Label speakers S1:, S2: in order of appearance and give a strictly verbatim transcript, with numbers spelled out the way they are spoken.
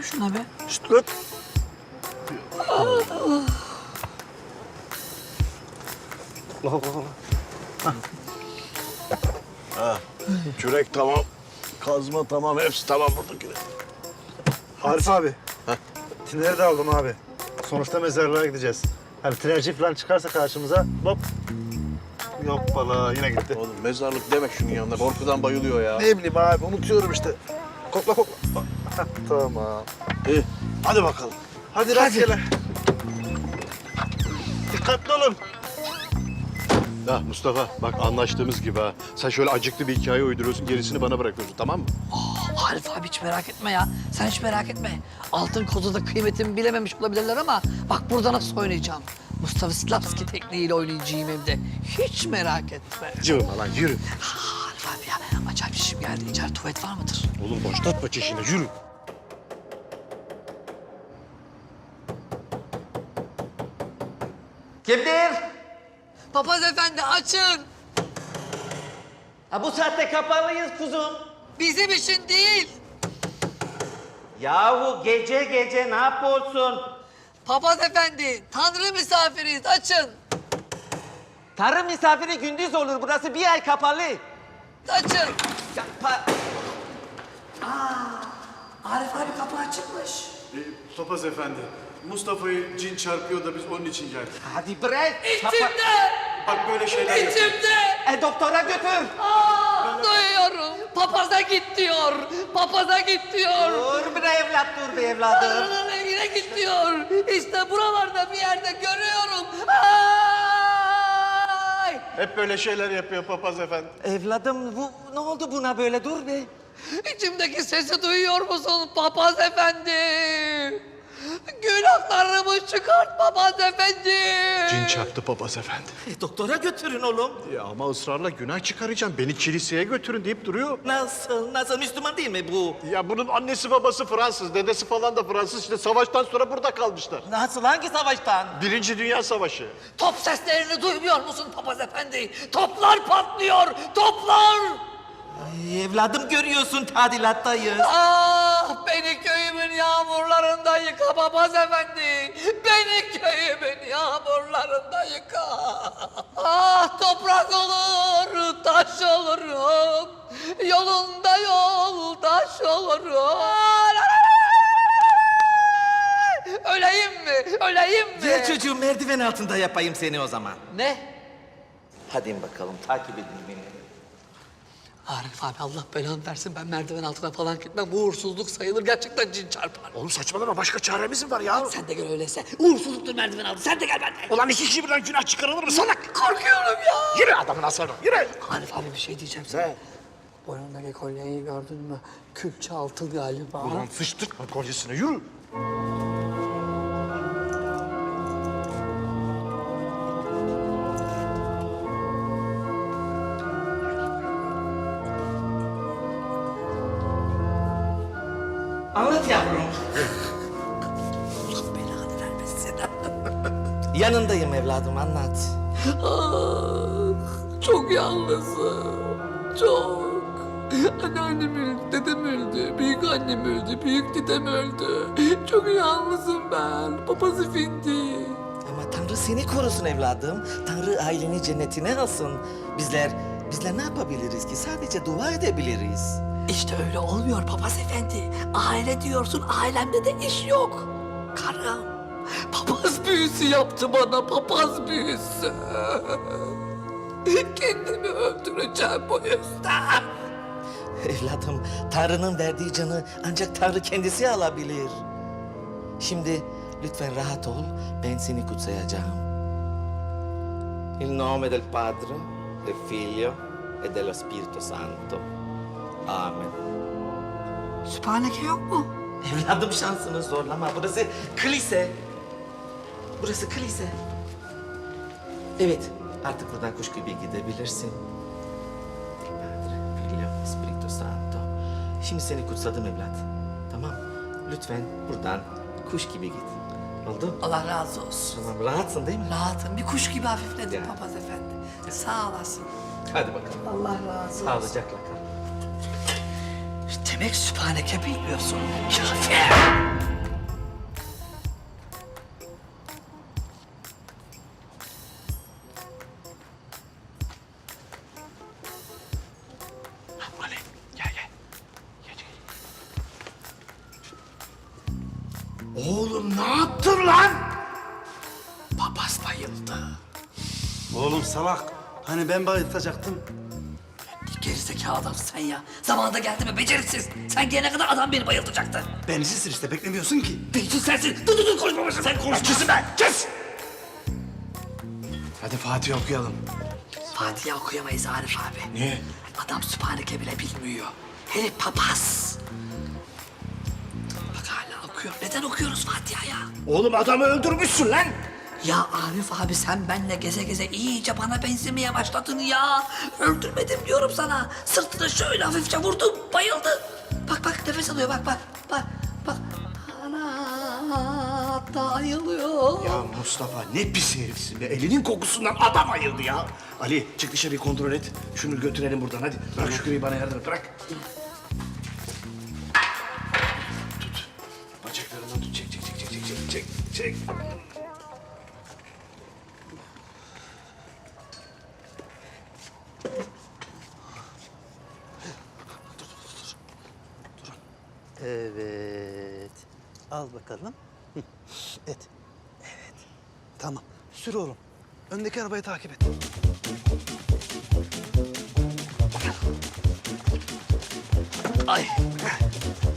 S1: şuna be.
S2: Şşt lan. Allah Allah. Ha, kürek tamam. Kazma tamam. Hepsi tamam buradaki.
S3: Arif abi. Tineri de aldım abi. Sonuçta mezarlığa gideceğiz. Hani tinerci falan çıkarsa karşımıza hop. Yok valla yine gitti.
S2: Oğlum mezarlık demek şunun yanında. Korkudan bayılıyor ya.
S3: Ne bileyim abi unutuyorum işte. Kokla kokla. Hah, tamam.
S2: İyi. Hadi bakalım.
S3: Hadi rastgele. Dikkatli olun.
S4: Ya Mustafa bak anlaştığımız gibi ha. Sen şöyle acıklı bir hikaye uyduruyorsun, gerisini bana bırakıyorsun, tamam mı?
S1: Arif abi hiç merak etme ya. Sen hiç merak etme. Altın kozada kıymetimi bilememiş olabilirler ama bak burada nasıl oynayacağım. Mustafa Slavski tekniğiyle oynayacağım hem de. Hiç merak etme.
S4: Cıvıma lan yürü.
S1: Ah, Arif abi ya acayip işim geldi. İçeride tuvalet var mıdır?
S4: Oğlum başlatma çeşini, yürü.
S5: Kimdir?
S1: Papaz efendi açın.
S5: Ha, bu saatte kapalıyız kuzum.
S1: Bizim için değil.
S5: Yahu gece gece ne yapıyorsun?
S1: Papaz efendi tanrı misafiriyiz açın.
S5: Tarım misafiri gündüz olur. Burası bir ay kapalı.
S1: Açın.
S5: Kapa...
S1: Arif abi kapı açıkmış.
S4: Topaz efendi, Mustafa'yı cin çarpıyor da biz onun için geldik.
S5: Hadi bırak. Kapa...
S1: İçimde.
S4: Bak böyle şeyler
S1: İçimde.
S5: E doktora götür.
S1: Aa, duyuyorum. Papaza git diyor. Papaza git diyor.
S5: Dur bir evlat dur bir evladım.
S1: Tanrı'nın evine git diyor. İşte buralarda bir yerde görüyorum. Ay!
S4: Hep böyle şeyler yapıyor papaz efendi.
S5: Evladım bu ne oldu buna böyle dur be.
S1: İçimdeki sesi duyuyor musun papaz efendi? Günahlarımı çıkart papaz efendi.
S4: Cin çarptı papaz efendi.
S5: E, doktora götürün oğlum.
S4: Ya ama ısrarla günah çıkaracağım. Beni kiliseye götürün deyip duruyor.
S5: Nasıl nasıl Müslüman değil mi bu?
S4: Ya bunun annesi babası Fransız, dedesi falan da Fransız. İşte savaştan sonra burada kalmışlar.
S5: Nasıl hangi savaştan?
S4: Birinci Dünya Savaşı.
S1: Top seslerini duymuyor musun papaz efendi? Toplar patlıyor, toplar!
S5: Ay, evladım görüyorsun tadilattayız.
S1: Ah beni köyümün yağmurlarında yıka papaz efendi. Beni köyümün yağmurlarında yıka. Ah toprak olur, taş olurum. Yolunda yoldaş olurum. Öleyim mi? Öleyim mi?
S5: Gel çocuğum merdiven altında yapayım seni o zaman.
S1: Ne?
S5: Hadi bakalım takip edin beni.
S1: Arif abi Allah belanı versin ben merdiven altına falan gitmem. Bu uğursuzluk sayılır gerçekten cin çarpar.
S4: Oğlum saçmalama, başka çaremiz mi var ya?
S1: Sen de gel öyleyse. Uğursuzluktur merdiven altı. Sen de gel benden.
S4: Ulan iki kişi birden günah çıkarılır mı salak?
S1: Korkuyorum ya.
S4: Yürü adamın aslanı, yürü.
S1: Arif abi bir şey diyeceğim sana.
S4: Ne?
S1: Boynundaki kolyeyi gördün mü? Külçe altın galiba.
S4: Ulan sıçtırtma kolyesine, yürü.
S5: Anlat yavrum.
S1: Allah belanı vermesin.
S5: Yanındayım evladım anlat.
S1: Ah, çok yalnızım. Çok. Anneannem öldü, dedem öldü, büyük annem öldü, büyük dedem öldü. Çok yalnızım ben. Papaz efendi.
S5: Ama Tanrı seni korusun evladım. Tanrı aileni cennetine alsın. Bizler, bizler ne yapabiliriz ki? Sadece dua edebiliriz.
S1: İşte öyle olmuyor papaz efendi. Aile diyorsun, ailemde de iş yok. Karım, papaz büyüsü yaptı bana, papaz büyüsü. Kendimi öldüreceğim bu yüzden.
S5: Evladım, Tanrı'nın verdiği canı ancak Tanrı kendisi alabilir. Şimdi lütfen rahat ol, ben seni kutsayacağım. Il nome del Padre, del Figlio e dello Spirito Santo. Amen.
S1: Sübhaneke yok mu?
S5: Evladım şansını zorlama. Burası kilise. Burası kilise. Evet, artık buradan kuş gibi gidebilirsin. Padre, Figlio, Spirito Santo. Şimdi seni kutsadım evlat. Tamam, lütfen buradan kuş gibi git. Oldu?
S1: Allah razı olsun.
S5: Tamam, rahatsın değil mi?
S1: Rahatım, bir kuş gibi hafifledim
S5: Ya.
S1: papaz efendi. Sağ olasın.
S5: Hadi bakalım.
S1: Allah razı olsun.
S5: Sağlıcakla kal.
S1: Demek sübhaneke bilmiyorsun. Kafir.
S2: Oğlum ne yaptın lan? Papaz bayıldı.
S3: Oğlum salak. Hani ben bayıltacaktım.
S1: Gerizekalı adam sen ya. Zamanında geldi mi beceriksiz. Sen gelene kadar adam beni bayıltacaktı.
S3: Benimsiz işte beklemiyorsun ki.
S1: Beytin sensin. Dur dur dur konuşma başına. Sen konuş.
S2: Kesin ben, kes! Hadi Fatih okuyalım.
S1: Fatiha okuyamayız Arif abi.
S2: Niye?
S1: Adam Sübhaneke bile bilmiyor. Herif papaz. Bak hala okuyor. Neden okuyoruz Fatiha ya?
S2: Oğlum adamı öldürmüşsün lan.
S1: Ya Arif abi sen benle geze geze iyice bana benzemeye başladın ya. Öldürmedim diyorum sana. Sırtına şöyle hafifçe vurdum, bayıldı. Bak bak nefes alıyor bak bak. Bak bak. Ana bayılıyor.
S2: Ya Mustafa ne pis herifsin be. Elinin kokusundan adam ayıldı ya. Ali çık dışarıyı kontrol et. Şunu götürelim buradan hadi. Bırak şu küreği bana yardım et. Bırak. Tut. Bacaklarından tut. Çek çek çek çek çek çek çek. Çek.
S3: Evet. Al bakalım. Hı, et. Evet. Tamam. Sür oğlum. Öndeki arabayı takip et.
S1: Ay.